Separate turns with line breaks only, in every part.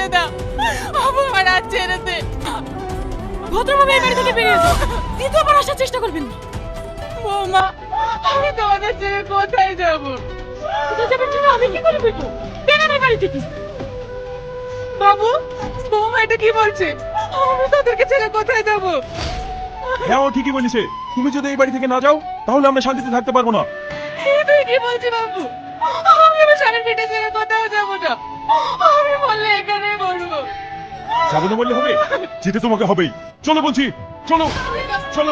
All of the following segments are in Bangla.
দাও, আমার হাত ছেড়ে দে। ভদ্রভাবে এই বাড়ি থেকে বেরিয়ে যাও, দ্বিতীয়বার আসার চেষ্টা করবেন না। বৌমা, আমি তোমাদের ছেড়ে কোথায় যাবো? কোথায় যাবেন জন্য আমি কি করে বেরবো? বেরোন এই বাড়ি থেকে। বাবু, বৌমা এটা কি বলছে? আমি তাদেরকে ছেড়ে কোথায় যাবো?
হ্যাঁ, ও ঠিকই বলেছে। তুমি যদি এই বাড়ি থেকে না যাও তাহলে আমরা শান্তিতে থাকতে পারবো না।
তুই কি বলছিস বাবু? আমি আমার স্বামীর পেটে ছেড়ে কোথাও যাবো না। আমি বললে এখানেই বলবো।
যাবে না বললে হবে, যেতে তোমাকে হবেই। চলো বলছি, চলো চলো।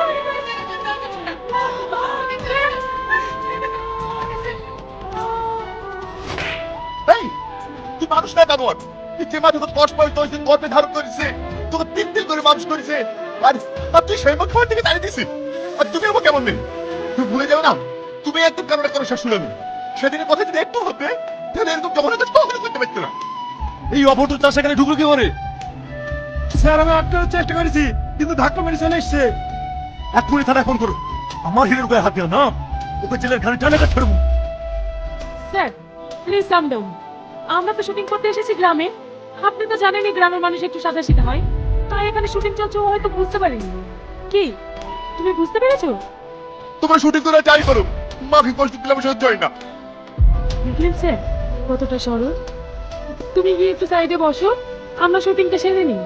এই তুই মানুষ না কামড়, যে মাঝে তো কষ্ট পাই তোর গর্বে ধারণ করেছে, তোকে তিন তিন করে মানুষ করেছে, আর তুই সেই খাবার থেকে তাড়িয়ে দিছিস। আর তুমি আমার কেমন নেই, তুমি ভুলে যাও না তুমি একদম কারণে কোনো শাশুড়ি আমি সেদিনের কথা যদি একটু হতে তাহলে এরকম যখন কখনো করতে পারতো না।
এই অভদ্র চাষ এখানে ঢুকলো কি করে? স্যার, আমি আটকানোর চেষ্টা করেছি কিন্তু ধাক্কা মেরে চলে এসছে। এক্ষুনি থানায় ফোন করো। আমার হিরের গায়ে হাত দিও না, ওকে জেলের ঘাড়ে টানে ছাড়বো।
Sir, please calm down. আমরা তো শুটিং করতে এসেছি গ্রামে। আপনি তো জানেনই গ্রামের মানুষ একটু সাদাসিধা হয়, তাই এখানে শুটিং চলছে ও হয়তো বুঝতে পারেনি। কি তুমি বুঝতে পেরেছো?
তোমরা শুটিং করে যাই করো, মাকে কষ্ট দিলে আমি সহ্য হয় না।
দেখলেন স্যার কতটা সরল। তুমি গিয়ে একটু সাইডে বসো, আমরা শুটিংটা সেরে নিই।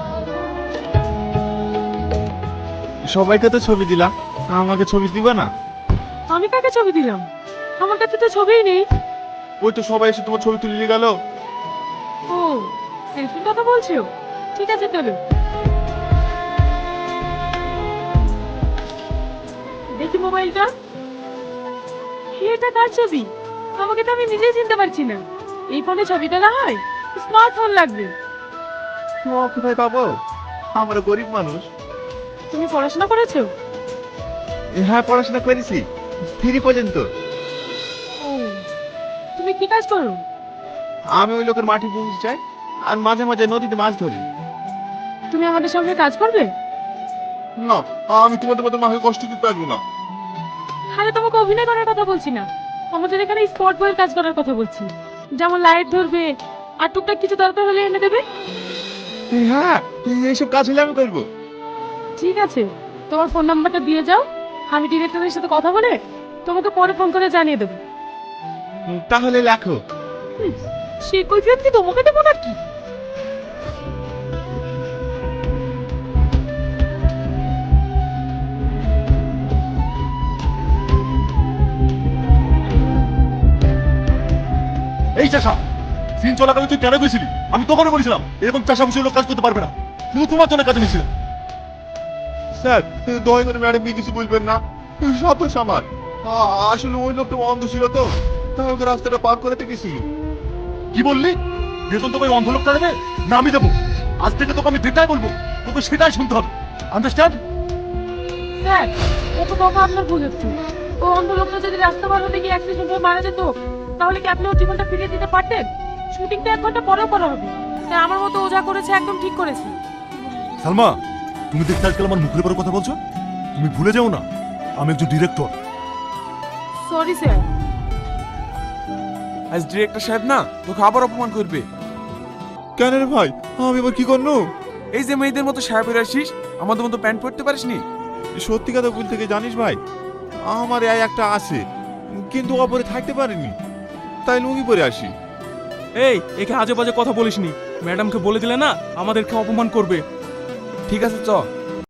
সবাইকে তো ছবি দিলাম, আমাকে ছবি দিবা না?
আমি কাকে ছবি দিলাম? আমার কাছে তো ছবিই নেই।
ওই তো সবাই এসে তোমার ছবি তুলে নিয়ে গেল।
ও, সেলফির কথা বলছো? ঠিক আছে চলো। দেখি মোবাইলটা। এটা কার ছবি? আমাকে তো আমি নিজেই চিনতে পারছি না। এই ফোনে ছবি তোলা হয়? স্মার্টফোন লাগবে।
কোথায় পাবো, আমরা গরিব মানুষ।
তুমি পড়াশোনা করেছো?
হ্যাঁ, পড়াশোনা করেছি 3 পর্যন্ত।
ও, তুমি কি কাজ করো?
আমি ওই লোকের মাটি বুঝতে চাই আর মাঝে মাঝে নদীতে মাছ ধরি।
তুমি আমাদের সঙ্গে কাজ করবে?
না, আমি তোমাদের মতো মাকে কষ্ট দিতে পারবো না।
আরে তোমাকে অভিনয় করার কথা বলছি না, আমাদের এখানে স্পট বয়ের কাজ করার কথা বলছি। যেমন লাইট ধরবে আর টুকটাক কিছু দরকার হলে এনে দেবে।
হ্যাঁ, এইসব কাজ হলে আমি করবো।
ঠিক আছে, তোমার ফোন নাম্বারটা দিয়ে যাও, আমি ডিরেক্টরের সাথে কথা বলে তোমাকে পরে ফোন করে জানিয়ে দেবো।
তাহলে লেখো।
সে কৈফিয়ত কি তোমাকে দেবো নাকি?
এই চাষা, সিন চলাকালে তুই কেন গেছিলি? আমি তখনই বলেছিলাম এরকম চাষা বসে লোক কাজ করতে পারবে না। শুধু তোমার জন্য কাজে নিয়েছিলাম।
স্যার, দয়া করে ম্যাডাম কিছু বুঝবেন না, সব দোষ আমার। আসলে ওই লোকটা অন্ধ ছিল তো, তাই ওকে রাস্তাটা পার করে গেছিল।
কি বললি? বেতন তোকে অন্ধ লোকটা দেবে না আমি দেবো? আজ থেকে তোকে আমি যেটাই বলবো তোকে সেটাই শুনতে হবে। আন্ডারস্ট্যান্ড?
স্যার, ও তো কথা আপনার ভুল হচ্ছে। ও অন্ধ লোকটা যদি রাস্তা পার হতে গিয়ে অ্যাক্সিডেন্ট হয়ে মারা যেত, তাহলে কি আপনি ওর জীবনটা ফিরিয়ে দিতে পারতেন? শুটিংটা 1 ঘন্টা পরেও করা হবে। তাই আমার মতো ও যা করেছে একদম ঠিক করেছে।
সালমা, তুমি দেখতে আজকাল আমার মুখের উপর কথা বলছো? তুমি ভুলে যাও না আমি একজন ডিরেক্টর।
Sorry sir.
আজ ডিরেক্টর সাহেব না তোকে আবার অপমান করবে।
কেন রে ভাই, আমি এবার কি করবো?
এই যে মেয়েদের মতো সাহেবের আসিস, আমাদের মতো প্যান্ট পরতে পারিসনি।
সত্যি কথা বলতে কি জানিস ভাই, আমার এই একটা আছে কিন্তু অপরে থাকতে পারিনি, তাই লুঙ্গি পরে আসি।
এই, একে আজে বাজে কথা বলিসনি। ম্যাডামকে বলে দিলে না আমাদেরকে অপমান করবে।
ঠিক আছে চ।